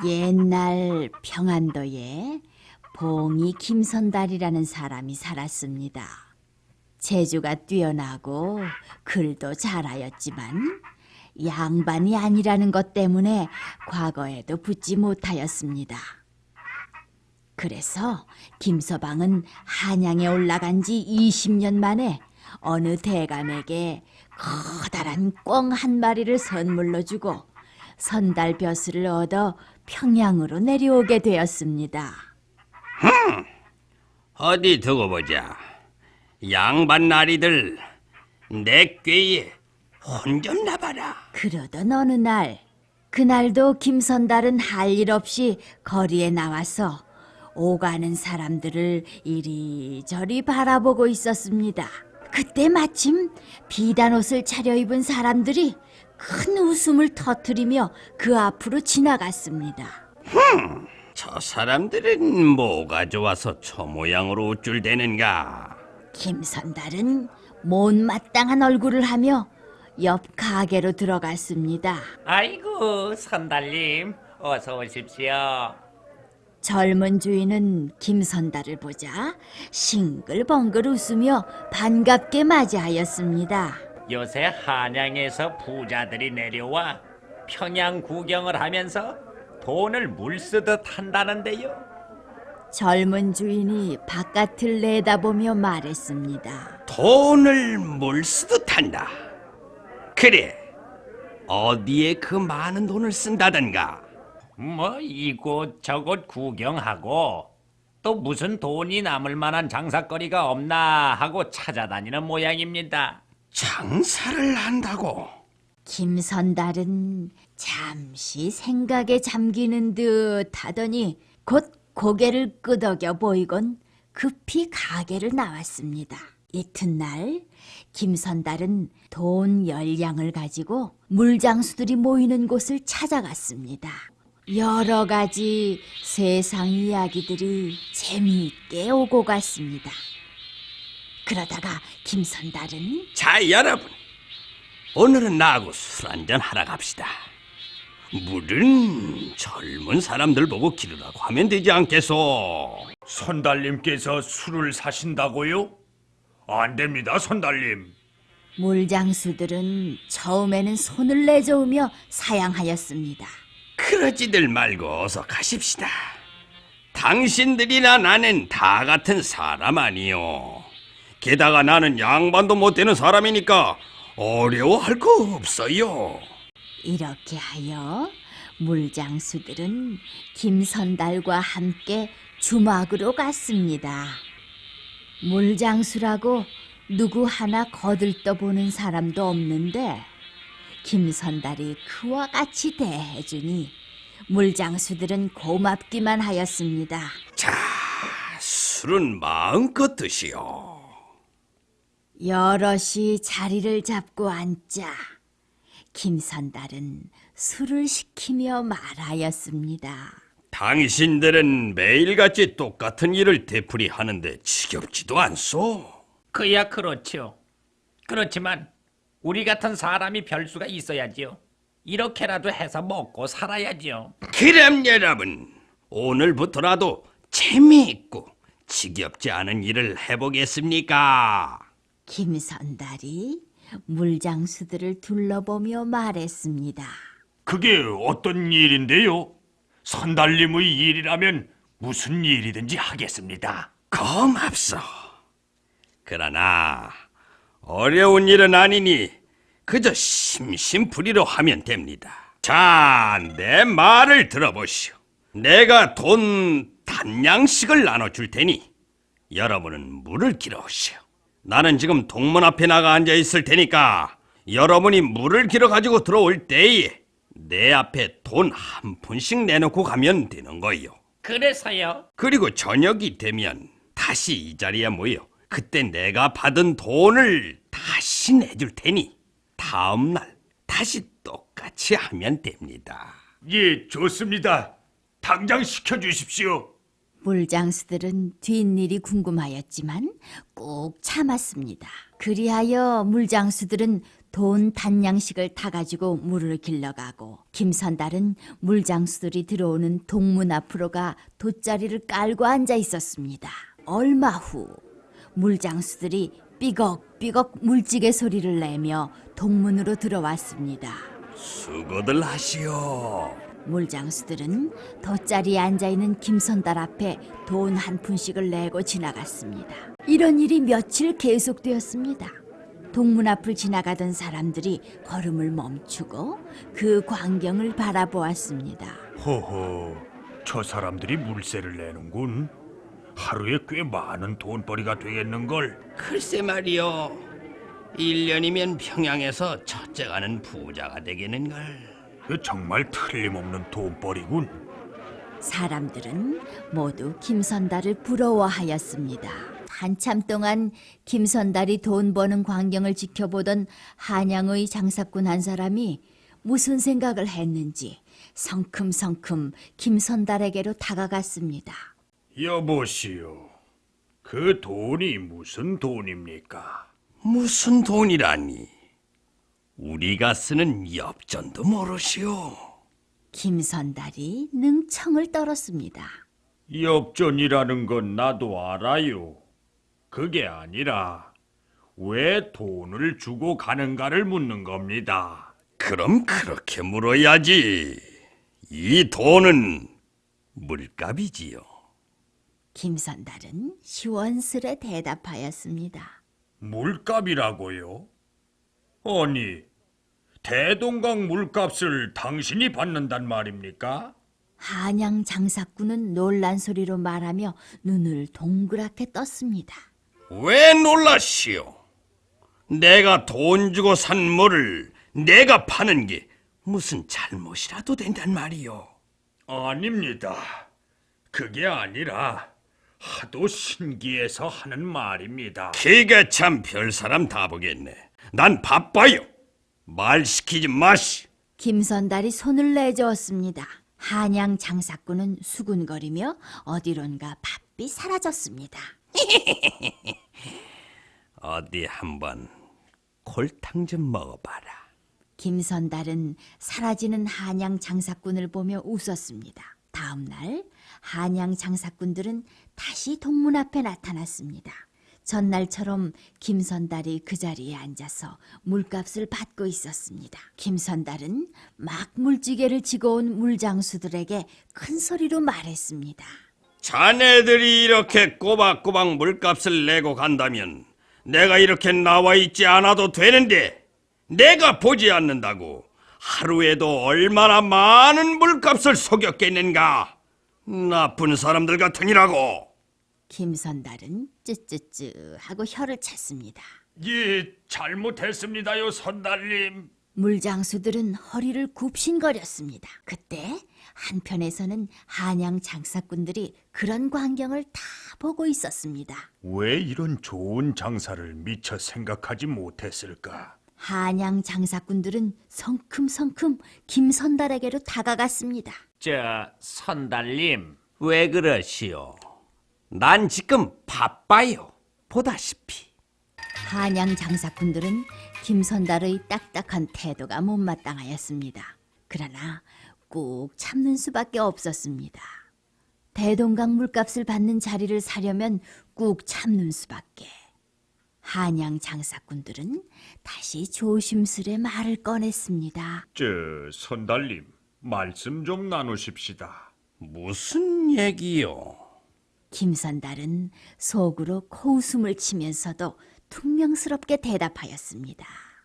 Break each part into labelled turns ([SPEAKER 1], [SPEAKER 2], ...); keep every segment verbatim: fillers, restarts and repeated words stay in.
[SPEAKER 1] 옛날 평안도에 봉이 김선달이라는 사람이 살았습니다. 재주가 뛰어나고 글도 잘하였지만 양반이 아니라는 것 때문에 과거에도 붙지 못하였습니다. 그래서 김서방은 한양에 올라간 지 이십 년 만에 어느 대감에게 커다란 꿩 한 마리를 선물로 주고 선달 벼슬을 얻어 평양으로 내려오게 되었습니다.
[SPEAKER 2] 흠, 어디 두고 보자. 양반 나리들 내 꾀에 혼졌나 봐라.
[SPEAKER 1] 그러던 어느 날, 그날도 김선달은 할 일 없이 거리에 나와서 오가는 사람들을 이리저리 바라보고 있었습니다. 그때 마침 비단 옷을 차려입은 사람들이 큰 웃음을 터뜨리며 그 앞으로 지나갔습니다.
[SPEAKER 2] 흠, 저 사람들은 뭐가 좋아서 저 모양으로 우쭐대는가?
[SPEAKER 1] 김선달은 못마땅한 얼굴을 하며 옆 가게로 들어갔습니다.
[SPEAKER 3] 아이고, 선달님, 어서 오십시오.
[SPEAKER 1] 젊은 주인은 김선달을 보자 싱글벙글 웃으며 반갑게 맞이하였습니다.
[SPEAKER 3] 요새 한양에서 부자들이 내려와 평양 구경을 하면서 돈을 물쓰듯 한다는데요.
[SPEAKER 1] 젊은 주인이 바깥을 내다보며 말했습니다.
[SPEAKER 2] 돈을 물쓰듯 한다. 그래, 어디에 그 많은 돈을 쓴다던가?
[SPEAKER 3] 뭐 이곳 저곳 구경하고 또 무슨 돈이 남을 만한 장사거리가 없나 하고 찾아다니는 모양입니다.
[SPEAKER 2] 장사를 한다고?
[SPEAKER 1] 김선달은 잠시 생각에 잠기는 듯 하더니 곧 고개를 끄덕여 보이곤 급히 가게를 나왔습니다. 이튿날 김선달은 돈 열량을 가지고 물장수들이 모이는 곳을 찾아갔습니다. 여러 가지 세상 이야기들이 재미있게 오고 갔습니다. 그러다가 김선달은
[SPEAKER 2] 자, 여러분, 오늘은 나하고 술 한잔 하러 갑시다. 물은 젊은 사람들 보고 기르라고 하면 되지 않겠소?
[SPEAKER 4] 선달님께서 술을 사신다고요? 안 됩니다, 선달님.
[SPEAKER 1] 물장수들은 처음에는 손을 내저으며 사양하였습니다.
[SPEAKER 2] 그러지들 말고 어서 가십시다. 당신들이나 나는 다 같은 사람 아니요. 게다가 나는 양반도 못 되는 사람이니까 어려워할 거 없어요.
[SPEAKER 1] 이렇게 하여 물장수들은 김선달과 함께 주막으로 갔습니다. 물장수라고 누구 하나 거들떠보는 사람도 없는데 김선달이 그와 같이 대해주니 물장수들은 고맙기만 하였습니다.
[SPEAKER 2] 자, 술은 마음껏 드시오.
[SPEAKER 1] 여럿이 자리를 잡고 앉자 김선달은 술을 시키며 말하였습니다.
[SPEAKER 2] 당신들은 매일같이 똑같은 일을 되풀이하는데 지겹지도 않소?
[SPEAKER 3] 그야 그렇죠. 그렇지만 우리 같은 사람이 별수가 있어야지요. 이렇게라도 해서 먹고 살아야지요.
[SPEAKER 2] 그럼 여러분, 오늘부터라도 재미있고 지겹지 않은 일을 해보겠습니까?
[SPEAKER 1] 김선달이 물장수들을 둘러보며 말했습니다.
[SPEAKER 4] 그게 어떤 일인데요? 선달님의 일이라면 무슨 일이든지 하겠습니다.
[SPEAKER 2] 고맙소. 그러나 어려운 일은 아니니 그저 심심풀이로 하면 됩니다. 자, 내 말을 들어보시오. 내가 돈 단량씩을 나눠줄 테니 여러분은 물을 길어오시오. 나는 지금 동문 앞에 나가 앉아 있을 테니까 여러분이 물을 길어 가지고 들어올 때에 내 앞에 돈 한 푼씩 내놓고 가면 되는 거요.
[SPEAKER 3] 그래서요?
[SPEAKER 2] 그리고 저녁이 되면 다시 이 자리에 모여 그때 내가 받은 돈을 다시 내줄 테니 다음 날 다시 똑같이 하면 됩니다.
[SPEAKER 4] 예, 좋습니다. 당장 시켜주십시오.
[SPEAKER 1] 물장수들은 뒷일이 궁금하였지만 꾹 참았습니다. 그리하여 물장수들은 돈 단양식을 타가지고 물을 길러가고 김선달은 물장수들이 들어오는 동문 앞으로 가 돗자리를 깔고 앉아 있었습니다. 얼마 후 물장수들이 삐걱삐걱 물지개 소리를 내며 동문으로 들어왔습니다.
[SPEAKER 2] 수고들 하시오.
[SPEAKER 1] 물장수들은 돗자리에 앉아있는 김선달 앞에 돈 한 푼씩을 내고 지나갔습니다. 이런 일이 며칠 계속되었습니다. 동문 앞을 지나가던 사람들이 걸음을 멈추고 그 광경을 바라보았습니다.
[SPEAKER 4] 허허, 저 사람들이 물세를 내는군. 하루에 꽤 많은 돈벌이가 되겠는걸.
[SPEAKER 2] 글쎄 말이오. 일 년이면 평양에서 첫째가는 부자가 되겠는걸.
[SPEAKER 4] 그 정말 틀림없는 돈벌이군.
[SPEAKER 1] 사람들은 모두 김선달을 부러워하였습니다. 한참 동안 김선달이 돈 버는 광경을 지켜보던 한양의 장사꾼 한 사람이 무슨 생각을 했는지 성큼성큼 김선달에게로 다가갔습니다.
[SPEAKER 4] 여보시오, 그 돈이 무슨 돈입니까?
[SPEAKER 2] 무슨 돈이라니? 우리가 쓰는 엽전도 모르시오.
[SPEAKER 1] 김선달이 능청을 떨었습니다.
[SPEAKER 4] 엽전이라는 건 나도 알아요. 그게 아니라 왜 돈을 주고 가는가를 묻는 겁니다.
[SPEAKER 2] 그럼 그렇게 물어야지. 이 돈은 물값이지요.
[SPEAKER 1] 김선달은 시원스레 대답하였습니다.
[SPEAKER 4] 물값이라고요? 아니, 대동강 물값을 당신이 받는단 말입니까?
[SPEAKER 1] 한양 장사꾼은 놀란 소리로 말하며 눈을 동그랗게 떴습니다.
[SPEAKER 2] 왜 놀라시오? 내가 돈 주고 산 물을 내가 파는 게 무슨 잘못이라도 된단 말이오.
[SPEAKER 4] 아닙니다. 그게 아니라 하도 신기해서 하는 말입니다.
[SPEAKER 2] 그게 참 별사람 다 보겠네. 난 바빠요. 말 시키지 마시.
[SPEAKER 1] 김선달이 손을 내저었습니다. 한양 장사꾼은 수군거리며 어디론가 바삐 사라졌습니다.
[SPEAKER 2] 어디 한번 골탕 좀 먹어봐라.
[SPEAKER 1] 김선달은 사라지는 한양 장사꾼을 보며 웃었습니다. 다음 날 한양 장사꾼들은 다시 동문 앞에 나타났습니다. 전날처럼 김선달이 그 자리에 앉아서 물값을 받고 있었습니다. 김선달은 막 물지개를 지고 온 물장수들에게 큰 소리로 말했습니다.
[SPEAKER 2] 자네들이 이렇게 꼬박꼬박 물값을 내고 간다면 내가 이렇게 나와 있지 않아도 되는데 내가 보지 않는다고 하루에도 얼마나 많은 물값을 속였겠는가. 나쁜 사람들 같으니라고.
[SPEAKER 1] 김선달은 쯔쯔쯔 하고 혀를 찼습니다.
[SPEAKER 4] 예, 잘못했습니다요, 선달님.
[SPEAKER 1] 물장수들은 허리를 굽신거렸습니다. 그때 한편에서는 한양 장사꾼들이 그런 광경을 다 보고 있었습니다.
[SPEAKER 4] 왜 이런 좋은 장사를 미처 생각하지 못했을까?
[SPEAKER 1] 한양 장사꾼들은 성큼성큼 김선달에게로 다가갔습니다.
[SPEAKER 3] 저 선달님,
[SPEAKER 2] 왜 그러시오? 난 지금 바빠요. 보다시피.
[SPEAKER 1] 한양 장사꾼들은 김선달의 딱딱한 태도가 못마땅하였습니다. 그러나 꾹 참는 수밖에 없었습니다. 대동강 물값을 받는 자리를 사려면 꾹 참는 수밖에. 한양 장사꾼들은 다시 조심스레 말을 꺼냈습니다.
[SPEAKER 4] 저 선달님, 말씀 좀 나누십시다.
[SPEAKER 2] 무슨 얘기요?
[SPEAKER 1] 김선달은 속으로 코웃음을 치면서도 퉁명스럽게 대답하였습니다.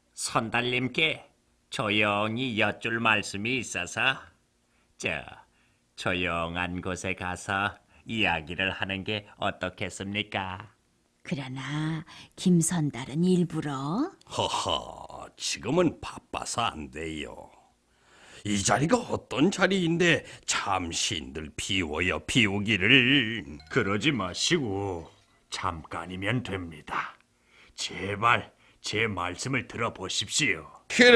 [SPEAKER 3] 선달님께 조용히 여쭐 말씀이 있어서 저 조용한 곳에 가서 이야기를 하는 게 어떻겠습니까?
[SPEAKER 1] 그러나 김선달은 일부러
[SPEAKER 2] 허허, 지금은 바빠서 안 돼요. 이 자리가 어떤 자리인데 잠시인들 비워요, 비우기를.
[SPEAKER 4] 그러지 마시고 잠깐이면 됩니다. 제발 제 말씀을 들어보십시오.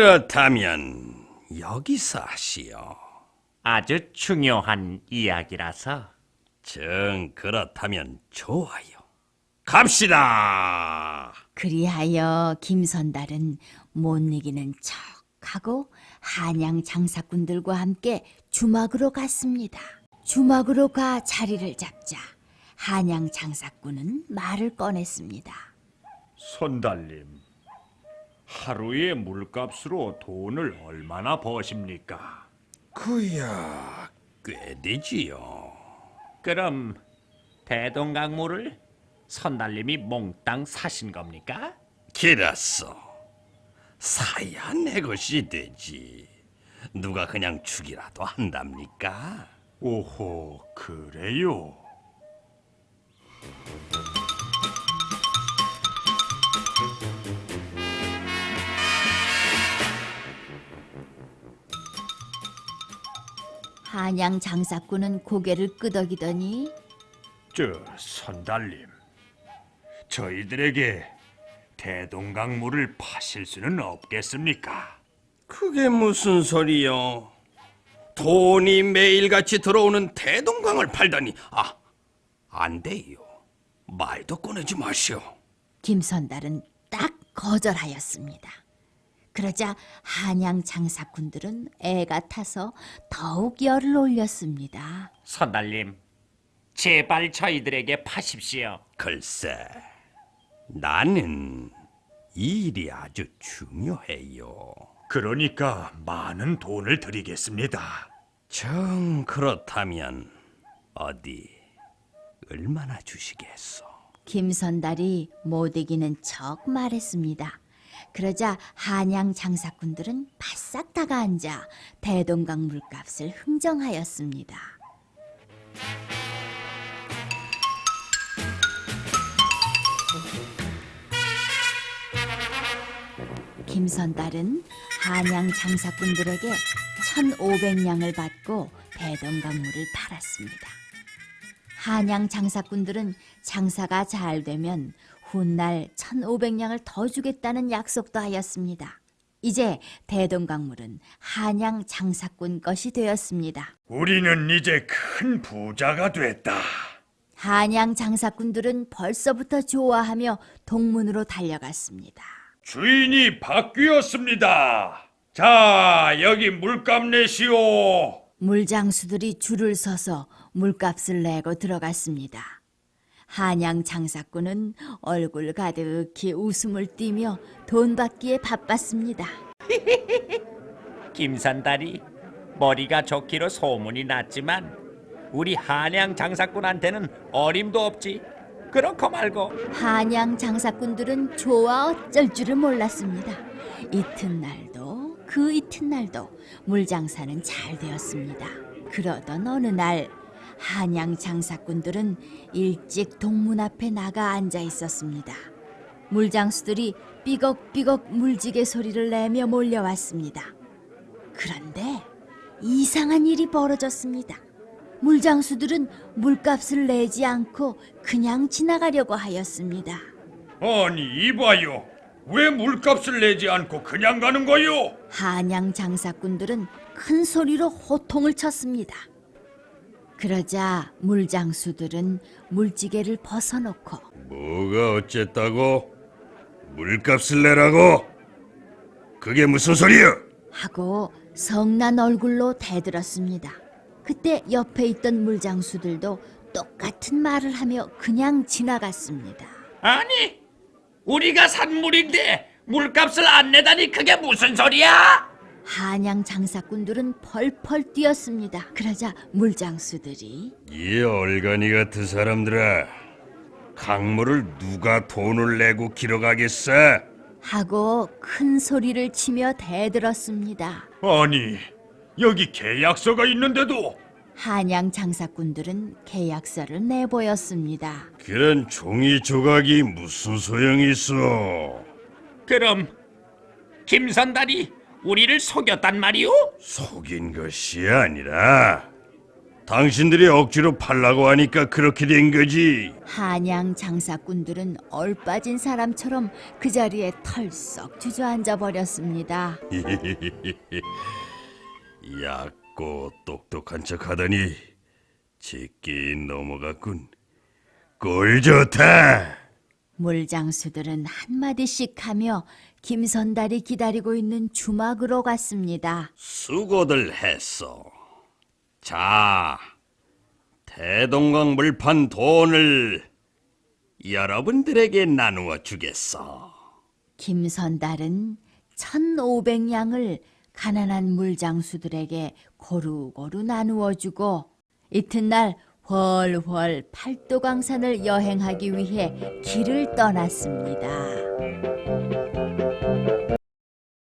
[SPEAKER 2] 그렇다면 여기서 하시오.
[SPEAKER 3] 아주 중요한 이야기라서.
[SPEAKER 2] 정 그렇다면 좋아요. 갑시다.
[SPEAKER 1] 그리하여 김선달은 못 이기는 척하고 한양 장사꾼들과 함께 주막으로 갔습니다. 주막으로 가 자리를 잡자 한양 장사꾼은 말을 꺼냈습니다.
[SPEAKER 4] 선달님, 하루의 물값으로 돈을 얼마나 버십니까?
[SPEAKER 2] 그야 꽤 되지요.
[SPEAKER 3] 그럼 대동강물을 선달님이 몽땅 사신 겁니까?
[SPEAKER 2] 길었어. 사야 내 것이 되지. 누가 그냥 주기라도 한답니까?
[SPEAKER 4] 오호, 그래요?
[SPEAKER 1] 한양 장사꾼은 고개를 끄덕이더니
[SPEAKER 4] 저 선달님, 저희들에게 대동강물을 파실 수는 없겠습니까?
[SPEAKER 2] 그게 무슨 소리요? 돈이 매일같이 들어오는 대동강을 팔다니. 아, 안 돼요. 말도 꺼내지 마시오.
[SPEAKER 1] 김선달은 딱 거절하였습니다. 그러자 한양 장사꾼들은 애가 타서 더욱 열을 올렸습니다.
[SPEAKER 3] 선달님, 제발 저희들에게 파십시오.
[SPEAKER 2] 글쎄, 나는 이 일이 아주 중요해요.
[SPEAKER 4] 그러니까 많은 돈을 드리겠습니다.
[SPEAKER 2] 정 그렇다면 어디 얼마나 주시겠소?
[SPEAKER 1] 김선달이 못 이기는 척 말했습니다. 그러자 한양 장사꾼들은 바싹 다가앉아 대동강 물값을 흥정하였습니다. 김선달은 한양 장사꾼들에게 천오백 냥을 받고 대동강물을 팔았습니다. 한양 장사꾼들은 장사가 잘 되면 훗날 천오백 냥을 더 주겠다는 약속도 하였습니다. 이제 대동강물은 한양 장사꾼 것이 되었습니다.
[SPEAKER 4] 우리는 이제 큰 부자가 됐다.
[SPEAKER 1] 한양 장사꾼들은 벌써부터 좋아하며 동문으로 달려갔습니다.
[SPEAKER 4] 주인이 바뀌었습니다. 자, 여기 물값 내시오.
[SPEAKER 1] 물장수들이 줄을 서서 물값을 내고 들어갔습니다. 한양 장사꾼은 얼굴 가득히 웃음을 띠며 돈 받기에 바빴습니다.
[SPEAKER 3] 김선달이 머리가 좋기로 소문이 났지만 우리 한양 장사꾼한테는 어림도 없지. 그렇고 말고
[SPEAKER 1] 한양 장사꾼들은 좋아 어쩔 줄을 몰랐습니다. 이튿날도 그 이튿날도 물장사는 잘 되었습니다. 그러던 어느 날 한양 장사꾼들은 일찍 동문 앞에 나가 앉아 있었습니다. 물장수들이 삐걱삐걱 물지개 소리를 내며 몰려왔습니다. 그런데 이상한 일이 벌어졌습니다. 물장수들은 물값을 내지 않고 그냥 지나가려고 하였습니다.
[SPEAKER 4] 아니, 이봐요. 왜 물값을 내지 않고 그냥 가는 거요?
[SPEAKER 1] 한양 장사꾼들은 큰 소리로 호통을 쳤습니다. 그러자 물장수들은 물지개를 벗어놓고
[SPEAKER 2] 뭐가 어쨌다고? 물값을 내라고? 그게 무슨 소리야?
[SPEAKER 1] 하고 성난 얼굴로 대들었습니다. 그때 옆에 있던 물장수들도 똑같은 말을 하며 그냥 지나갔습니다.
[SPEAKER 3] 아니 우리가 산 물인데 물값을 안 내다니 그게 무슨 소리야?
[SPEAKER 1] 한양 장사꾼들은 펄펄 뛰었습니다. 그러자 물장수들이
[SPEAKER 2] 이 얼간이 같은 사람들아, 강물을 누가 돈을 내고 길어가겠어?
[SPEAKER 1] 하고 큰 소리를 치며 대들었습니다.
[SPEAKER 4] 아니, 여기 계약서가 있는데도.
[SPEAKER 1] 한양 장사꾼들은 계약서를 내보였습니다.
[SPEAKER 2] 그런 종이 조각이 무슨 소용이 있어?
[SPEAKER 3] 그럼 김선달이 우리를 속였단 말이오?
[SPEAKER 2] 속인 것이 아니라 당신들이 억지로 팔라고 하니까 그렇게 된 거지.
[SPEAKER 1] 한양 장사꾼들은 얼빠진 사람처럼 그 자리에 털썩 주저앉아 버렸습니다.
[SPEAKER 2] 얕고 똑똑한 척하더니 제끼 넘어갔군. 꼴 좋다.
[SPEAKER 1] 물장수들은 한마디씩 하며 김선달이 기다리고 있는 주막으로 갔습니다.
[SPEAKER 2] 수고들 했어. 자, 대동강 물판 돈을 여러분들에게 나누어 주겠어.
[SPEAKER 1] 김선달은 천오백 양을 가난한 물장수들에게 고루고루 나누어 주고 이튿날 훨훨 팔도강산을 여행하기 위해 길을 떠났습니다.